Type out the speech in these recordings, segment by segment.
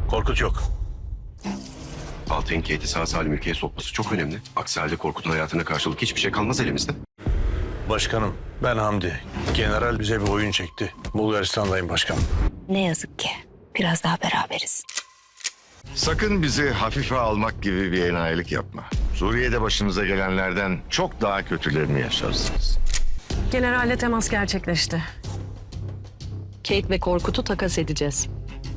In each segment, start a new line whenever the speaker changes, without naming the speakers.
Korkut yok.
Altay'ın Kate'i sağ salim ülkeye sokması çok önemli. Aksi halde Korkut'un hayatına karşılık hiçbir şey kalmaz elimizde.
Başkanım, ben Hamdi. General bize bir oyun çekti. Bulgaristan'dayım başkanım.
Ne yazık ki. Biraz daha beraberiz.
Sakın bizi hafife almak gibi bir enayilik yapma. Suriye'de başınıza gelenlerden çok daha kötülerini yaşarsınız.
Generalle temas gerçekleşti.
Kate ve Korkut'u takas edeceğiz.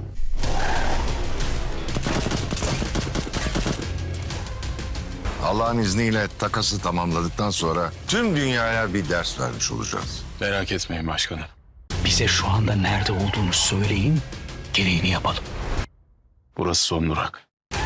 Allah'ın izniyle takası tamamladıktan sonra tüm dünyaya bir ders vermiş olacağız.
Merak etmeyin başkanım.
Bize şu anda nerede olduğunu söyleyin, gereğini yapalım.
Burası son durak.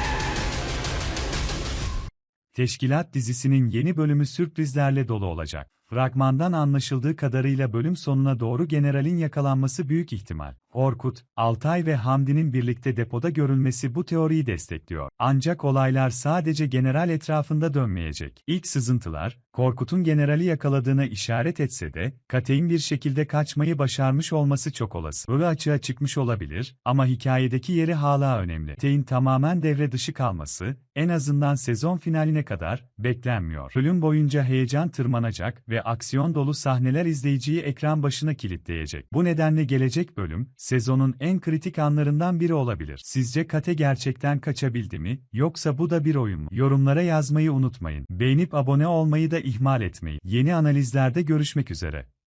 Teşkilat dizisinin yeni bölümü sürprizlerle dolu olacak. Fragmandan anlaşıldığı kadarıyla bölüm sonuna doğru generalin yakalanması büyük ihtimal. Korkut, Altay ve Hamdi'nin birlikte depoda görülmesi bu teoriyi destekliyor. Ancak olaylar sadece general etrafında dönmeyecek. İlk sızıntılar, Korkut'un generali yakaladığına işaret etse de, Kate'in bir şekilde kaçmayı başarmış olması çok olası. Böyle açığa çıkmış olabilir ama hikayedeki yeri hala önemli. Kate'in tamamen devre dışı kalması, en azından sezon finaline kadar beklenmiyor. Bölüm boyunca heyecan tırmanacak ve aksiyon dolu sahneler izleyiciyi ekran başına kilitleyecek. Bu nedenle gelecek bölüm, sezonun en kritik anlarından biri olabilir. Sizce Kate gerçekten kaçabildi mi, yoksa bu da bir oyun mu? Yorumlara yazmayı unutmayın. Beğenip abone olmayı da ihmal etmeyin. Yeni analizlerde görüşmek üzere.